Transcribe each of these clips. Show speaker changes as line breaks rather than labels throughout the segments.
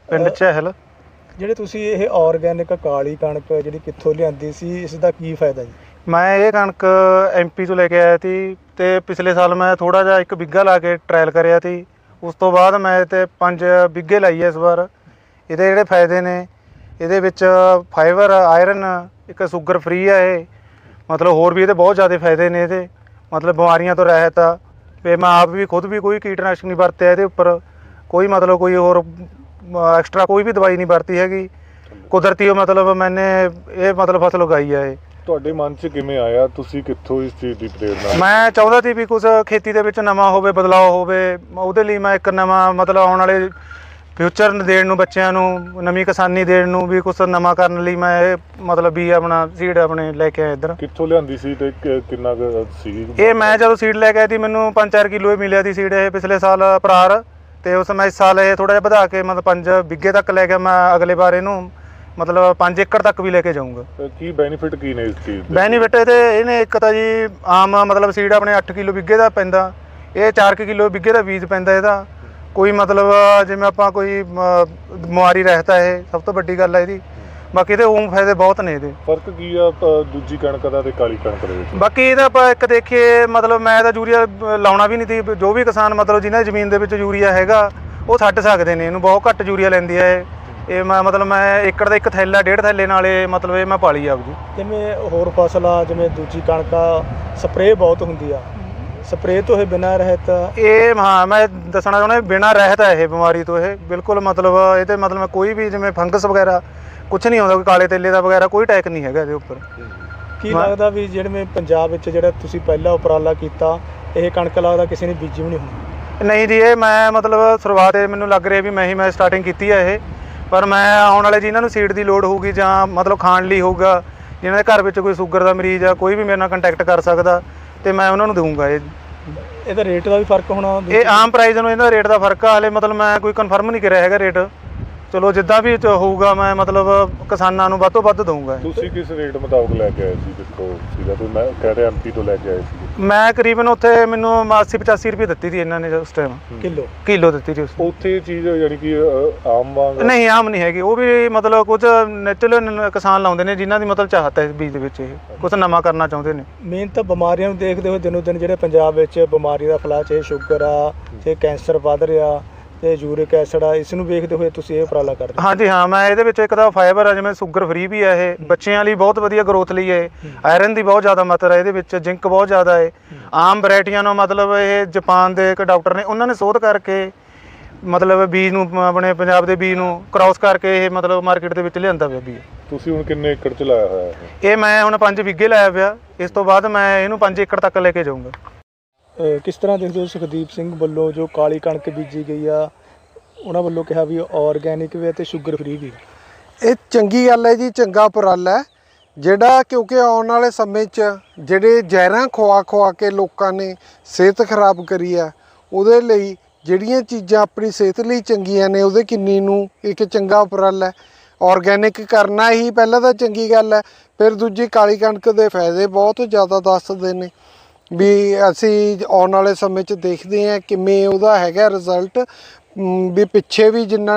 ਪਿੰਡ ਚਹਿਲ।
ਜਿਹੜੇ ਤੁਸੀਂ ਇਹ ਆਰਗੈਨਿਕ ਕਾਲੀ ਕਣਕ ਜਿਹੜੀ ਕਿੱਥੋਂ ਲਿਆਂਦੀ ਸੀ, ਇਸ ਦਾ ਕੀ ਫਾਇਦਾ ਜੀ?
ਮੈਂ ਇਹ ਕਣਕ MP ਤੋਂ ਲੈ ਕੇ ਆਇਆ ਸੀ ਅਤੇ ਪਿਛਲੇ ਸਾਲ ਮੈਂ ਥੋੜ੍ਹਾ ਜਿਹਾ 1 ਬਿੱਗਾ ਲਾ ਕੇ ਟਰਾਇਲ ਕਰਿਆ ਸੀ। ਉਸ ਤੋਂ ਬਾਅਦ ਮੈਂ ਤੇ 5 ਬਿੱਗੇ ਲਾਈ ਹੈ ਇਸ ਵਾਰ। ਇਹਦੇ ਜਿਹੜੇ ਫਾਇਦੇ ਨੇ, ਇਹਦੇ ਵਿੱਚ ਫਾਈਬਰ, ਆਇਰਨ, ਇੱਕ ਸ਼ੂਗਰ ਫ੍ਰੀ ਆ ਇਹ, ਮਤਲਬ ਹੋਰ ਵੀ ਇਹਦੇ ਬਹੁਤ ਜ਼ਿਆਦਾ ਫਾਇਦੇ ਨੇ ਇਹਦੇ, ਮਤਲਬ ਬਿਮਾਰੀਆਂ ਤੋਂ ਰਹਿਤ ਆ। ਅਤੇ ਮੈਂ ਆਪ ਵੀ ਖੁਦ ਵੀ ਕੋਈ ਕੀਟਨਾਸ਼ਕ ਨਹੀਂ ਵਰਤਿਆ ਇਹਦੇ ਉੱਪਰ, ਕੋਈ ਮਤਲਬ ਕੋਈ ਹੋਰ ਐਕਸਟਰਾ ਕੋਈ ਵੀ ਦਵਾਈ ਨਹੀਂ ਵਰਤੀ ਹੈਗੀ, ਕੁਦਰਤੀ ਮਤਲਬ ਮੈਨੇ ਇਹ ਮਤਲਬ ਫਸਲ ਉਗਾਈ ਆ ਇਹ।
ਤੁਹਾਡੇ ਮਨ 'ਚ ਕਿਵੇਂ ਆਇਆ, ਤੁਸੀਂ ਕਿੱਥੋਂ ਇਸ ਚੀਜ਼ ਦੀ ਪ੍ਰੇਰਨਾ?
ਮੈਂ ਚਾਹੁੰਦਾ ਸੀ ਵੀ ਕੁਛ ਖੇਤੀ ਦੇ ਵਿੱਚ ਨਵਾਂ ਹੋਵੇ, ਬਦਲਾਅ ਹੋਵੇ, ਉਹਦੇ ਲਈ ਮੈਂ ਇੱਕ ਨਵਾਂ ਮਤਲਬ ਆਉਣ ਵਾਲੇ ਫਿਊਚਰ ਦੇਣ ਨੂੰ, ਬੱਚਿਆਂ ਨੂੰ ਨਵੀਂ ਕਿਸਾਨੀ ਦੇਣ ਨੂੰ ਵੀ ਕੁਛ ਨਵਾਂ ਕਰਨ ਲਈ ਮੈਂ ਇਹ ਮਤਲਬ ਵੀ ਆਪਣਾ ਸੀਡ ਆਪਣੇ ਲੈ ਕੇ ਆਇਆ ਇੱਧਰ।
ਕਿੱਥੋਂ ਲਿਆਂਦੀ ਸੀ ਤੇ ਕਿੰਨਾ ਕੁ ਸੀ
ਇਹ? ਮੈਂ ਜਦੋਂ ਸੀਡ ਲੈ ਕੇ ਆਈ ਸੀ ਮੈਨੂੰ 5-4 ਕਿਲੋ ਹੀ ਮਿਲਿਆ ਸੀ ਸੀਡ ਇਹ ਪਿਛਲੇ ਸਾਲ ਪਰਾਰ, ਅਤੇ ਉਸ ਮੈਂ ਇਸ ਸਾਲ ਇਹ ਥੋੜ੍ਹਾ ਜਿਹਾ ਵਧਾ ਕੇ ਮਤਲਬ 5 ਬਿੱਗੇ ਤੱਕ ਲੈ ਕੇ ਮੈਂ ਅਗਲੇ ਵਾਰ ਇਹਨੂੰ ਮਤਲਬ 5 ਏਕੜ ਤੱਕ ਵੀ ਲੈ ਕੇ ਜਾਊਂਗਾ।
ਕੀ ਬੈਨੀਫਿਟ ਕੀ ਨੇ ਇਸ ਚੀਜ਼ ਦੇ?
ਬੈਨੀਫਿਟ ਇਹਨੇ ਇੱਕ ਤਾਂ ਜੀ ਆਮ ਮਤਲਬ ਸੀਡ ਆਪਣੇ 8 ਕਿਲੋ ਬਿੱਗੇ ਦਾ ਪੈਂਦਾ, ਇਹ 4 ਕਿਲੋ ਬਿੱਗੇ ਦਾ ਬੀਜ ਪੈਂਦਾ ਇਹਦਾ। ਕੋਈ ਮਤਲਬ ਜਿਵੇਂ ਆਪਾਂ ਕੋਈ ਬਿਮਾਰੀ ਰਹਿਤ ਹੈ, ਇਹ ਸਭ ਤੋਂ ਵੱਡੀ ਗੱਲ ਹੈ ਇਹਦੀ। ਬਾਕੀ ਇਹਦੇ ਊਂ ਫਾਇਦੇ ਬਹੁਤ ਨੇ ਇਹਦੇ।
ਫਰਕ ਕੀ ਆ ਦੂਜੀ ਕਣਕ ਦਾ ਤੇ ਕਾਲੀ ਕਣਕ ਦੇ ਵਿੱਚ?
ਬਾਕੀ ਇਹਦਾ ਆਪਾਂ ਇੱਕ ਦੇਖੀਏ ਮਤਲਬ ਮੈਂ ਤਾਂ ਯੂਰੀਆ ਲਾਉਣਾ ਵੀ ਨਹੀਂ ਸੀ। ਜੋ ਵੀ ਕਿਸਾਨ ਮਤਲਬ ਜਿਨ੍ਹਾਂ ਦੀ ਜ਼ਮੀਨ ਦੇ ਵਿੱਚ ਯੂਰੀਆ ਹੈਗਾ ਉਹ ਛੱਡ ਸਕਦੇ ਨੇ, ਇਹਨੂੰ ਬਹੁਤ ਘੱਟ ਯੂਰੀਆ ਲੈਂਦੀ ਹੈ ਇਹ। ਮੈਂ ਮਤਲਬ ਮੈਂ ਏਕੜ ਦਾ 1 ਥੈਲਾ 1.5 ਥੈਲੇ ਨਾਲ ਇਹ ਮਤਲਬ ਇਹ ਮੈਂ ਪਾਲੀ ਆਪ ਜੀ।
ਜਿਵੇਂ ਹੋਰ ਫਸਲਾਂ ਜਿਵੇਂ ਦੂਜੀ ਕਣਕਾਂ ਸਪਰੇਅ ਬਹੁਤ ਹੁੰਦੀ ਆ, ਸਪਰੇਅ ਤੋਂ ਇਹ ਬਿਨਾਂ ਰਹਿਤ
ਇਹ ਹਾਂ ਮੈਂ ਦੱਸਣਾ ਚਾਹੁੰਦਾ ਬਿਨਾਂ ਰਹਿਤ ਹੈ ਇਹ ਬਿਮਾਰੀ ਤੋਂ। ਇਹ ਬਿਲਕੁਲ ਮਤਲਬ ਇਹਦੇ ਮਤਲਬ ਕੋਈ ਵੀ ਜਿਵੇਂ ਫੰਗਸ ਵਗੈਰਾ ਕੁਛ ਨਹੀਂ ਆਉਂਦਾ, ਕੋਈ ਕਾਲੇ ਤੇਲੇ ਦਾ ਵਗੈਰਾ ਕੋਈ ਅਟੈਕ ਨਹੀਂ ਹੈਗਾ ਇਹਦੇ ਉੱਪਰ।
ਕੀ ਲੱਗਦਾ ਵੀ ਜਿਹੜੇ ਪੰਜਾਬ ਵਿੱਚ ਜਿਹੜਾ ਤੁਸੀਂ ਪਹਿਲਾ ਉਪਰਾਲਾ ਕੀਤਾ, ਇਹ ਕਣਕ ਲੱਗਦਾ ਕਿਸੇ ਨੇ ਬੀਜੀ ਵੀ ਨਹੀਂ ਹੋਣੀ?
ਨਹੀਂ ਜੀ, ਇਹ ਮੈਂ ਮਤਲਬ ਸ਼ੁਰੂਆਤ ਮੈਨੂੰ ਲੱਗ ਰਿਹਾ ਵੀ ਮੈਂ ਸਟਾਰਟਿੰਗ ਕੀਤੀ ਹੈ ਇਹ। ਪਰ ਮੈਂ ਆਉਣ ਵਾਲੇ ਜਿਨ੍ਹਾਂ ਨੂੰ ਸੀਡ ਦੀ ਲੋੜ ਹੋਊਗੀ ਜਾਂ ਮਤਲਬ ਖਾਣ ਲਈ ਹੋਊਗਾ, ਜਿਨ੍ਹਾਂ ਦੇ ਘਰ ਵਿੱਚ ਕੋਈ ਸ਼ੂਗਰ ਦਾ ਮਰੀਜ਼ ਆ, ਕੋਈ ਵੀ ਮੇਰੇ ਨਾਲ ਕੰਟੈਕਟ ਕਰ ਸਕਦਾ ਅਤੇ ਮੈਂ ਉਹਨਾਂ ਨੂੰ ਦਊਂਗਾ ਇਹ।
ਇਹਦਾ ਰੇਟ ਦਾ ਵੀ ਫਰਕ ਹੋਣਾ?
ਇਹ ਆਮ ਪ੍ਰਾਈਸ ਨੂੰ ਇਹਦਾ ਰੇਟ ਦਾ ਫਰਕ ਆ, ਹਾਲੇ ਮਤਲਬ ਮੈਂ ਕੋਈ ਕਨਫਰਮ ਨਹੀਂ ਕਰਿਆ ਹੈਗਾ ਰੇਟ। ਚਲੋ ਜਿੱਦਾਂ ਵੀ ਹੋਊਗਾ ਮੈਂ ਮਤਲਬ ਕਿਸਾਨਾਂ ਨੂੰ ਵੱਧ ਤੋਂ ਵੱਧ ਦਊਂਗਾ।
ਤੁਸੀਂ ਕਿਸ ਰੇਟ ਮੁਤਾਬਕ ਲੈ ਕੇ ਆਏ ਸੀ? ਜਿੱਥੋਂ ਸੀਗਾ ਤੁਸੀਂ ਮੈਂ ਕਹਿ ਰਿਹਾ MP ਤੋਂ ਲੈ ਕੇ ਆਏ ਸੀ?
ਮੈਂ ਕਰੀਬਨ ਉੱਥੇ ਮੈਨੂੰ 80-85 ਰੁਪਏ ਦਿੱਤੀ ਸੀ ਇਹਨਾਂ ਨੇ ਉਸ ਟਾਈਮ। ਕਿਲੋ ਦਿੱਤੀ ਸੀ
ਉੱਥੇ ਇਹ ਚੀਜ਼ ਯਾਨੀ ਕਿ ਆਮ ਵਾਂਗ?
ਨਹੀਂ, ਆਮ ਨਹੀਂ ਹੈਗੀ। ਉਹ ਵੀ ਮਤਲਬ ਕੁਝ ਨੈਚੁਰਲ ਕਿਸਾਨ ਲਾਉਂਦੇ ਨੇ ਜਿਨ੍ਹਾਂ ਦੀ ਮਤਲਬ ਚਾਹਤ ਹੈ ਇਸ ਬੀਜ ਦੇ ਵਿੱਚ, ਇਹ ਕੁਛ ਨਵਾਂ ਕਰਨਾ ਚਾਹੁੰਦੇ ਨੇ।
ਮੇਨ ਤਾਂ ਬਿਮਾਰੀਆਂ ਨੂੰ ਦੇਖਦੇ ਹੋਏ ਦਿਨੋਂ ਦਿਨ ਜਿਹੜੇ ਪੰਜਾਬ ਵਿੱਚ ਬਿਮਾਰੀ ਦਾ ਫੈਲਾਅ, ਚਾਹੇ ਸ਼ੂਗਰ ਆ, ਚਾਹੇ ਕੈਂਸਰ ਵੱਧ ਰਿਹਾ, ਤੇ ਯੂਰਿਕ ਐਸਿਡ ਆ, ਇਸ ਨੂੰ ਵੇਖਦੇ ਹੋਏ ਤੁਸੀਂ ਇਹ ਉਪਰਾਲਾ ਕਰਦੇ?
ਹਾਂਜੀ ਹਾਂ, ਮੈਂ ਇਹਦੇ ਵਿੱਚ ਇੱਕ ਤਾਂ ਫਾਈਬਰ ਆ, ਜਿਵੇਂ ਸ਼ੂਗਰ ਫ੍ਰੀ ਵੀ ਹੈ ਇਹ, ਬੱਚਿਆਂ ਲਈ ਬਹੁਤ ਵਧੀਆ ਗਰੋਥ ਲਈ ਹੈ। ਆਇਰਨ ਦੀ ਬਹੁਤ ਜ਼ਿਆਦਾ ਮਾਤਰਾ ਇਹਦੇ ਵਿੱਚ, ਜ਼ਿੰਕ ਬਹੁਤ ਜ਼ਿਆਦਾ ਹੈ। ਆਮ ਵੈਰਾਈਟੀਆਂ ਨੂੰ ਮਤਲਬ ਇਹ ਜਾਪਾਨ ਦੇ ਇੱਕ ਡਾਕਟਰ ਨੇ ਉਹਨਾਂ ਨੇ ਸ਼ੋਧ ਕਰਕੇ ਮਤਲਬ ਬੀਜ ਨੂੰ ਆਪਣੇ ਪੰਜਾਬ ਦੇ ਬੀਜ ਨੂੰ ਕ੍ਰਾਸ ਕਰਕੇ ਇਹ ਮਤਲਬ ਮਾਰਕੀਟ ਦੇ ਵਿੱਚ ਲਿਆਂਦਾ ਪਿਆ ਬੀਜ।
ਤੁਸੀਂ ਹੁਣ ਕਿੰਨੇ ਏਕੜ 'ਚ ਲਾਇਆ ਹੋਇਆ
ਇਹ? ਮੈਂ ਹੁਣ 5 ਬਿੱਗੇ ਲਾਇਆ ਪਿਆ, ਇਸ ਤੋਂ ਬਾਅਦ ਮੈਂ ਇਹਨੂੰ 5 ਏਕੜ ਤੱਕ ਲੈ ਕੇ ਜਾਊਂਗਾ।
ਕਿਸ ਤਰ੍ਹਾਂ ਦੇਖਦੇ ਹੋ ਸੁਖਦੀਪ ਸਿੰਘ ਵੱਲੋਂ ਜੋ ਕਾਲੀ ਕਣਕ ਬੀਜੀ ਗਈ ਆ, ਉਹਨਾਂ ਵੱਲੋਂ ਕਿਹਾ ਵੀ ਆਰਗੈਨਿਕ ਵੀ ਅਤੇ ਸ਼ੂਗਰ ਫ੍ਰੀ ਵੀ?
ਇਹ ਚੰਗੀ ਗੱਲ ਹੈ ਜੀ, ਚੰਗਾ ਉਪਰਾਲਾ ਹੈ ਜਿਹੜਾ, ਕਿਉਂਕਿ ਆਉਣ ਵਾਲੇ ਸਮੇਂ 'ਚ ਜਿਹੜੇ ਜ਼ਹਿਰਾਂ ਖਵਾ ਕੇ ਲੋਕਾਂ ਨੇ ਸਿਹਤ ਖਰਾਬ ਕਰੀ ਆ, ਉਹਦੇ ਲਈ ਜਿਹੜੀਆਂ ਚੀਜ਼ਾਂ ਆਪਣੀ ਸਿਹਤ ਲਈ ਚੰਗੀਆਂ ਨੇ ਉਹਦੇ ਕਿੰਨੀ ਨੂੰ ਇੱਕ ਚੰਗਾ ਉਪਰਾਲਾ ਹੈ। ਆਰਗੈਨਿਕ ਕਰਨਾ ਹੀ ਪਹਿਲਾਂ ਤਾਂ ਚੰਗੀ ਗੱਲ ਹੈ, ਫਿਰ ਦੂਜੀ ਕਾਲੀ ਕਣਕ ਦੇ ਫਾਇਦੇ ਬਹੁਤ ਜ਼ਿਆਦਾ ਦੱਸਦੇ ਨੇ ਵੀ ਅਸੀਂ ਆਉਣ ਵਾਲੇ ਸਮੇਂ 'ਚ ਦੇਖਦੇ ਹਾਂ ਕਿਵੇਂ ਉਹਦਾ ਹੈਗਾ ਰਿਜ਼ਲਟ। ਵੀ ਪਿੱਛੇ ਵੀ ਜਿੰਨਾ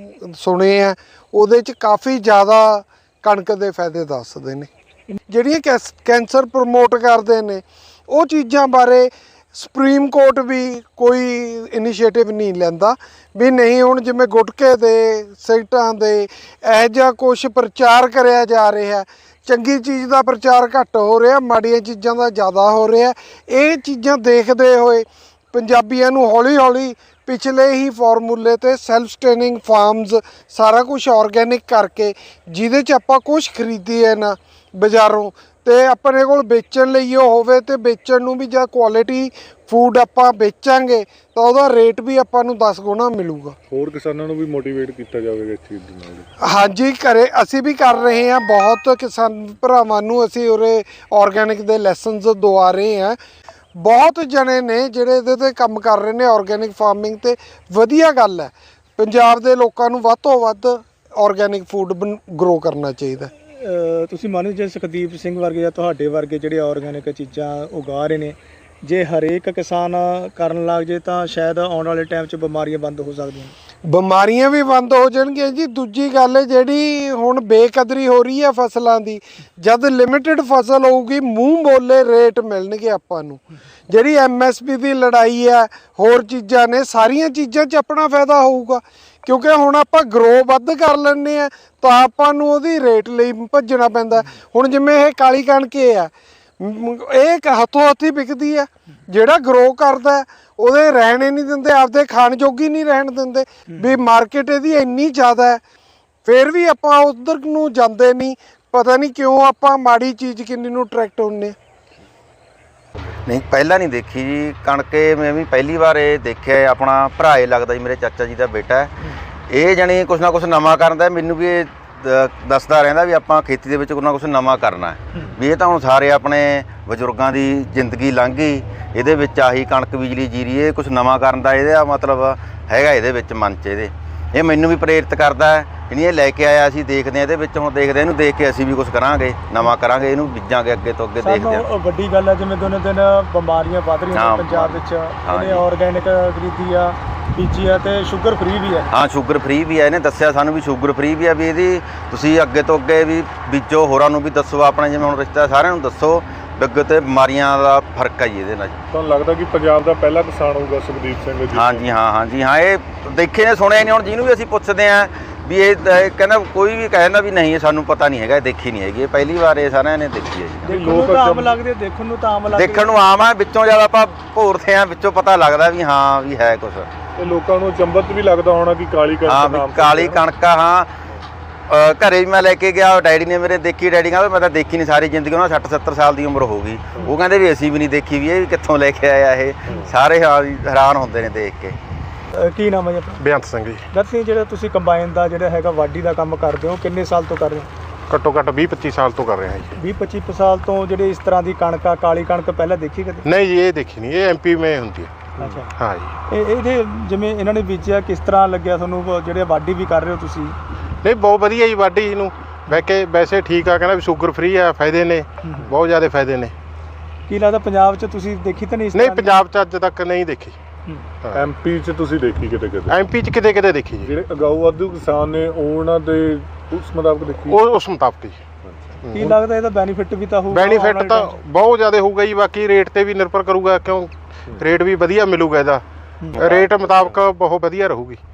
ਸੁਣੇ ਆ ਉਹਦੇ 'ਚ ਕਾਫੀ ਜ਼ਿਆਦਾ ਕਣਕ ਦੇ ਫਾਇਦੇ ਦੱਸਦੇ ਨੇ। ਜਿਹੜੀਆਂ ਕੈਂਸਰ ਪ੍ਰਮੋਟ ਕਰਦੇ ਨੇ ਉਹ ਚੀਜ਼ਾਂ ਬਾਰੇ ਸੁਪਰੀਮ ਕੋਰਟ ਵੀ ਕੋਈ ਇਨੀਸ਼ੀਏਟਿਵ ਨਹੀਂ ਲੈਂਦਾ ਵੀ ਨਹੀਂ, ਹੁਣ ਜਿਵੇਂ ਗੁਟਕੇ ਦੇ, ਸਿਗਰਟਾਂ ਦੇ ਇਹੋ ਜਿਹਾ ਕੁਛ ਪ੍ਰਚਾਰ ਕਰਿਆ ਜਾ ਰਿਹਾ, ਚੰਗੀ ਚੀਜ਼ ਦਾ ਪ੍ਰਚਾਰ ਘੱਟ ਹੋ ਰਿਹਾ, ਮਾੜੀਆਂ ਚੀਜ਼ਾਂ ਦਾ ਜ਼ਿਆਦਾ ਹੋ ਰਿਹਾ। ਇਹ ਚੀਜ਼ਾਂ ਦੇਖਦੇ ਹੋਏ ਪੰਜਾਬੀਆਂ ਨੂੰ ਹੌਲੀ ਹੌਲੀ ਪਿਛਲੇ ਹੀ ਫਾਰਮੂਲੇ ਤੇ ਸੈਲਫ ਸਟੇਨਿੰਗ ਫਾਰਮਸ ਸਾਰਾ ਕੁਝ ਆਰਗੈਨਿਕ ਕਰਕੇ, ਜਿਹਦੇ 'ਚ ਆਪਾਂ ਕੁਛ ਖਰੀਦੀਏ ਨਾ ਬਾਜ਼ਾਰੋਂ ਤੇ ਆਪਣੇ ਕੋਲ ਵੇਚਣ ਲਈ ਉਹ ਹੋਵੇ, ਤੇ ਵੇਚਣ ਨੂੰ ਵੀ ਜਾਂ ਕੁਆਲਿਟੀ ਫੂਡ ਆਪਾਂ ਵੇਚਾਂਗੇ ਤਾਂ ਉਹਦਾ ਰੇਟ ਵੀ ਆਪਾਂ ਨੂੰ 10 ਗੁਣਾ ਮਿਲੂਗਾ।
ਹੋਰ ਕਿਸਾਨਾਂ ਨੂੰ ਵੀ ਮੋਟੀਵੇਟ ਕੀਤਾ ਜਾਵੇਗਾ ਇਸ ਚੀਜ਼ ਦੇ ਨਾਲ?
ਹਾਂਜੀ, ਅਸੀਂ ਵੀ ਕਰ ਰਹੇ ਹਾਂ। ਬਹੁਤ ਕਿਸਾਨ ਭਰਾਵਾਂ ਨੂੰ ਅਸੀਂ ਉਰੇ ਆਰਗੈਨਿਕ ਦੇ ਲੈਸਨਸ ਦਵਾ ਰਹੇ ਹਾਂ। ਬਹੁਤ ਜਣੇ ਨੇ ਜਿਹੜੇ ਇਹਦੇ 'ਤੇ ਕੰਮ ਕਰ ਰਹੇ ਨੇ ਆਰਗੈਨਿਕ ਫਾਰਮਿੰਗ 'ਤੇ। ਵਧੀਆ ਗੱਲ ਹੈ, ਪੰਜਾਬ ਦੇ ਲੋਕਾਂ ਨੂੰ ਵੱਧ ਤੋਂ ਵੱਧ ਆਰਗੈਨਿਕ ਫੂਡ ਗਰੋ ਕਰਨਾ ਚਾਹੀਦਾ।
ਤੁਸੀਂ ਮੰਨੋ ਜੇ ਸੁਖਦੀਪ ਸਿੰਘ ਵਰਗੇ ਜਾਂ ਤੁਹਾਡੇ ਵਰਗੇ ਜਿਹੜੇ ਆਰਗੈਨਿਕ ਚੀਜ਼ਾਂ ਉਗਾ ਰਹੇ ਨੇ, ਜੇ ਹਰੇਕ ਕਿਸਾਨ ਕਰਨ ਲੱਗ ਜੇ ਤਾਂ ਸ਼ਾਇਦ ਆਉਣ ਵਾਲੇ ਟਾਈਮ 'ਚ ਬਿਮਾਰੀਆਂ ਬੰਦ ਹੋ ਸਕਦੀਆਂ।
ਬਿਮਾਰੀਆਂ ਵੀ ਬੰਦ ਹੋ ਜਾਣਗੀਆਂ ਜੀ। ਦੂਜੀ ਗੱਲ ਹੈ ਜਿਹੜੀ ਹੁਣ ਬੇਕਦਰੀ ਹੋ ਰਹੀ ਹੈ ਫਸਲਾਂ ਦੀ, ਜਦ ਲਿਮਿਟਿਡ ਫਸਲ ਹੋਊਗੀ ਮੂੰਹ ਬੋਲੇ ਰੇਟ ਮਿਲਣਗੇ ਆਪਾਂ ਨੂੰ। ਜਿਹੜੀ MSP ਦੀ ਲੜਾਈ ਹੈ, ਹੋਰ ਚੀਜ਼ਾਂ ਨੇ, ਸਾਰੀਆਂ ਚੀਜ਼ਾਂ 'ਚ ਆਪਣਾ ਫਾਇਦਾ ਹੋਊਗਾ, ਕਿਉਂਕਿ ਹੁਣ ਆਪਾਂ ਗਰੋ ਵੱਧ ਕਰ ਲੈਂਦੇ ਆ ਤਾਂ ਆਪਾਂ ਨੂੰ ਉਹਦੀ ਰੇਟ ਲਈ ਭੱਜਣਾ ਪੈਂਦਾ। ਹੁਣ ਜਿਵੇਂ ਇਹ ਕਾਲੀ ਕਣਕ ਆ, ਇਹ ਹੱਥੋਂ ਹੱਥੀ ਵਿਕਦੀ ਹੈ। ਜਿਹੜਾ ਗਰੋ ਕਰਦਾ ਉਹਦੇ ਰਹਿਣੇ ਨਹੀਂ ਦਿੰਦੇ, ਆਪਦੇ ਖਾਣ ਜੋਗੀ ਨਹੀਂ ਰਹਿਣ ਦਿੰਦੇ ਵੀ ਮਾਰਕੀਟ ਇਹਦੀ ਇੰਨੀ ਜ਼ਿਆਦਾ ਹੈ, ਫਿਰ ਵੀ ਆਪਾਂ ਉਧਰ ਨੂੰ ਜਾਂਦੇ ਨਹੀਂ। ਪਤਾ ਨਹੀਂ ਕਿਉਂ ਆਪਾਂ ਮਾੜੀ ਚੀਜ਼ ਕਿੰਨੀ ਨੂੰ ਅਟਰੈਕਟ ਹੁੰਦੇ।
ਨਹੀਂ ਪਹਿਲਾਂ ਨਹੀਂ ਦੇਖੀ ਜੀ ਕਣਕੇ, ਮੈਂ ਵੀ ਪਹਿਲੀ ਵਾਰ ਇਹ ਦੇਖਿਆ। ਆਪਣਾ ਭਰਾ ਇਹ ਲੱਗਦਾ ਜੀ, ਮੇਰੇ ਚਾਚਾ ਜੀ ਦਾ ਬੇਟਾ ਹੈ। ਇਹ ਜਾਣੀ ਕੁਛ ਨਾ ਕੁਛ ਨਵਾਂ ਕਰਦਾ। ਮੈਨੂੰ ਵੀ ਇਹ ਦੱਸਦਾ ਰਹਿੰਦਾ ਵੀ ਆਪਾਂ ਖੇਤੀ ਦੇ ਵਿੱਚ ਕੁਛ ਨਾ ਕੁਛ ਨਵਾਂ ਕਰਨਾ ਹੈ। ਵੀ ਇਹ ਤਾਂ ਹੁਣ ਸਾਰੇ ਆਪਣੇ ਬਜ਼ੁਰਗਾਂ ਦੀ ਜ਼ਿੰਦਗੀ ਲੰਘ ਗਈ, ਇਹਦੇ ਵਿੱਚ ਆਹੀ ਕਣਕ ਬਿਜਲੀ ਜੀਰੀ, ਇਹ ਕੁਛ ਨਵਾਂ ਕਰਨ ਦਾ ਇਹਦਾ ਮਤਲਬ ਹੈਗਾ ਇਹਦੇ ਵਿੱਚ ਮਨ 'ਚ ਇਹਦੇ। ਇਹ ਮੈਨੂੰ ਵੀ ਪ੍ਰੇਰਿਤ ਕਰਦਾ ਹੈ। ਇਹ ਲੈ ਕੇ ਆਇਆ, ਅਸੀਂ ਦੇਖਦੇ ਹਾਂ ਇਹਦੇ ਵਿੱਚ, ਹੁਣ ਦੇਖਦੇ ਇਹਨੂੰ ਦੇਖ ਕੇ ਅਸੀਂ ਵੀ ਕੁਛ ਕਰਾਂਗੇ, ਨਵਾਂ ਕਰਾਂਗੇ, ਇਹਨੂੰ ਬੀਜਾਂਗੇ ਅੱਗੇ ਤੋਂ ਅੱਗੇ, ਦੇਖਦੇ ਹਾਂ।
ਵੱਡੀ ਗੱਲ ਹੈ ਜਿਵੇਂ ਦਿਨੋਂ ਦਿਨ ਬਿਮਾਰੀਆਂ ਵੱਧ ਰਹੀਆਂ ਨੇ ਪੰਜਾਬ ਵਿੱਚ। ਇਹਨੇ ਆਰਗੈਨਿਕ ਖਰੀਦੀ ਆ, ਬੀਜੀ ਆ, ਤੇ ਸ਼ੂਗਰ ਫ੍ਰੀ ਵੀ ਹੈ।
ਹਾਂ ਸ਼ੂਗਰ ਫ੍ਰੀ ਵੀ ਹੈ। ਇਹਨੇ ਦੱਸਿਆ ਸਾਨੂੰ ਵੀ ਸ਼ੂਗਰ ਫ੍ਰੀ ਵੀ ਹੈ। ਵੀ ਇਹਦੀ ਤੁਸੀਂ ਅੱਗੇ ਤੋਂ ਅੱਗੇ ਵੀ ਬੀਜੋ, ਹੋਰਾਂ ਨੂੰ ਵੀ ਦੱਸੋ, ਆਪਣੇ ਜਿਵੇਂ ਹੁਣ ਰਿਸ਼ਤੇਦਾਰ ਸਾਰਿਆਂ ਨੂੰ ਦੱਸੋ ਵੀ ਅੱਗੇ ਤੇ ਬਿਮਾਰੀਆਂ ਦਾ ਫਰਕ ਹੈ ਜੀ ਇਹਦੇ ਨਾਲ।
ਤੁਹਾਨੂੰ ਲੱਗਦਾ ਕਿ ਪੰਜਾਬ ਦਾ ਪਹਿਲਾ ਕਿਸਾਨ ਹੋਊਗਾ ਸੁਖਦੀਪ ਸਿੰਘ ਜੀ?
ਹਾਂਜੀ ਹਾਂ, ਇਹ ਦੇਖੇ ਨੇ ਸੁਣਿਆ ਨਹੀਂ। ਹੁਣ ਜਿਹਨੂੰ ਵੀ ਅਸੀਂ ਪੁੱਛਦੇ ਹਾਂ ਵੀ ਇਹ ਕਹਿੰਦਾ, ਕੋਈ ਵੀ ਕਹਿੰਦਾ ਵੀ ਨਹੀਂ ਸਾਨੂੰ ਪਤਾ ਨਹੀਂ ਹੈਗਾ, ਇਹ ਦੇਖੀ ਨਹੀਂ ਹੈਗੀ, ਇਹ ਪਹਿਲੀ ਵਾਰ ਇਹ ਸਾਰਿਆਂ ਨੇ ਦੇਖੀ ਹੈ ਜੀ।
ਦੇਖਣ ਨੂੰ ਤਾਂ ਆਮ ਲੱਗਦੇ, ਦੇਖਣ ਨੂੰ ਤਾਂ ਆਮ ਲੱਗਦੇ,
ਦੇਖਣ ਨੂੰ ਆਮ ਹੈ, ਵਿੱਚੋਂ ਜਦ ਆਪਾਂ ਭੋਰਦੇ ਹਾਂ ਵਿੱਚੋਂ ਪਤਾ ਲੱਗਦਾ ਵੀ ਹਾਂ ਵੀ ਹੈ ਕੁਛ।
ਤੇ ਲੋਕਾਂ ਨੂੰ ਚੰਬਤ ਵੀ ਲੱਗਦਾ ਹੋਣਾ ਕਿ ਕਾਲੀ ਕਣਕ
ਹਾਂ
ਨਾਮ
ਵੀ ਕਾਲੀ ਕਣਕ ਆ। ਹਾਂ ਘਰੇ ਵੀ ਮੈਂ ਲੈ ਕੇ ਗਿਆ, ਡੈਡੀ ਨੇ ਮੇਰੇ ਦੇਖੀ। ਡੈਡੀ ਕਹਿੰਦਾ ਮੈਂ ਤਾਂ ਦੇਖੀ ਨਹੀਂ ਸਾਰੀ ਜ਼ਿੰਦਗੀ, ਉਹਨਾਂ 60-70 ਸਾਲ ਦੀ ਉਮਰ ਹੋ ਗਈ। ਉਹ ਕਹਿੰਦੇ ਵੀ ਅਸੀਂ ਵੀ ਨਹੀਂ ਦੇਖੀ, ਵੀ ਇਹ ਵੀ ਕਿੱਥੋਂ ਲੈ ਕੇ ਆਇਆ ਇਹ। ਸਾਰੇ ਹੈਰਾਨ ਹੁੰਦੇ ਨੇ ਦੇਖ ਕੇ।
ਕੀ ਨਾਮ ਹੈ ਜੀ ਆਪਣਾ?
ਬੇਅੰਤ ਸਿੰਘ ਜੀ।
ਦੱਸੀ ਜਿਹੜਾ ਤੁਸੀਂ ਕੰਬਾਈਨ ਦਾ ਜਿਹੜਾ ਹੈਗਾ ਵਾਢੀ ਦਾ ਕੰਮ ਕਰਦੇ ਹੋ, ਕਿੰਨੇ ਸਾਲ ਤੋਂ ਕਰ ਰਹੇ ਹੋ?
ਘੱਟੋ ਘੱਟ 20-25 ਸਾਲ ਤੋਂ ਕਰ ਰਿਹਾ ਜੀ।
20-25 ਸਾਲ ਤੋਂ ਜਿਹੜੇ ਇਸ ਤਰ੍ਹਾਂ ਦੀ ਕਣਕ ਆ, ਕਾਲੀ ਕਣਕ ਪਹਿਲਾਂ ਦੇਖੀ ਕਦੇ?
ਨਹੀਂ ਜੀ, ਇਹ ਦੇਖੀ ਨਹੀਂ, ਇਹ MP में ਹੁੰਦੀ ਹੈ।
ਅੱਛਾ
ਹਾਂ ਜੀ।
ਇਹਦੇ ਜਿਵੇਂ ਇਹਨਾਂ ਨੇ ਬੀਜਿਆ, ਕਿਸ ਤਰ੍ਹਾਂ ਲੱਗਿਆ ਤੁਹਾਨੂੰ? ਜਿਹੜੇ ਵਾਢੀ ਵੀ ਕਰ ਰਹੇ ਹੋ ਤੁਸੀਂ?
ਨਹੀਂ ਬਹੁਤ ਵਧੀਆ ਜੀ ਵਾਢੀ ਨੂੰ। ਵੈਸੇ ਠੀਕ ਆ, ਕਹਿੰਦਾ ਵੀ ਸ਼ੂਗਰ ਫ੍ਰੀ ਆ, ਫਾਇਦੇ ਨੇ ਬਹੁਤ ਜ਼ਿਆਦਾ ਫਾਇਦੇ ਨੇ।
ਕੀ ਲੱਗਦਾ ਪੰਜਾਬ 'ਚ ਤੁਸੀਂ ਦੇਖੀ ਤਾਂ ਨਹੀਂ ਇਸ
ਨਹੀਂ
ਤਰ੍ਹਾਂ ਦੀ?
ਪੰਜਾਬ 'ਚ ਅੱਜ ਤੱਕ ਨਹੀਂ ਦੇਖੀ।
MP 'ਚ ਤੁਸੀਂ ਦੇਖੀ ਕਿਤੇ ਕਿਤੇ?
MP 'ਚ ਕਿਤੇ ਕਿਤੇ ਦੇਖੀ ਜੀ।
ਜਿਹੜੇ ਅਗਾਊ ਵਾਧੂ ਕਿਸਾਨ ਨੇ ਉਹਨਾਂ ਦੇ ਉਸ ਮੁਤਾਬਕ ਦੇਖੀ?
ਉਹ ਉਸ ਮੁਤਾਬਕ ਜੀ।
ਕੀ ਲੱਗਦਾ ਇਹਦਾ ਬੈਨੀਫਿਟ ਵੀ ਤਾਂ ਹੋਊਗਾ?
ਬੈਨੀਫਿਟ ਤਾਂ ਬਹੁਤ ਜ਼ਿਆਦਾ ਹੋਊਗਾ ਜੀ। ਬਾਕੀ ਰੇਟ ਤੇ ਵੀ ਨਿਰਭਰ ਕਰੂਗਾ, ਕਿਉਂ ਰੇਟ ਵੀ ਵਧੀਆ ਮਿਲੂਗਾ ਇਹਦਾ। ਰੇਟ ਮੁਤਾਬਕ ਬਹੁਤ ਵਧੀਆ ਰਹੂਗੀ।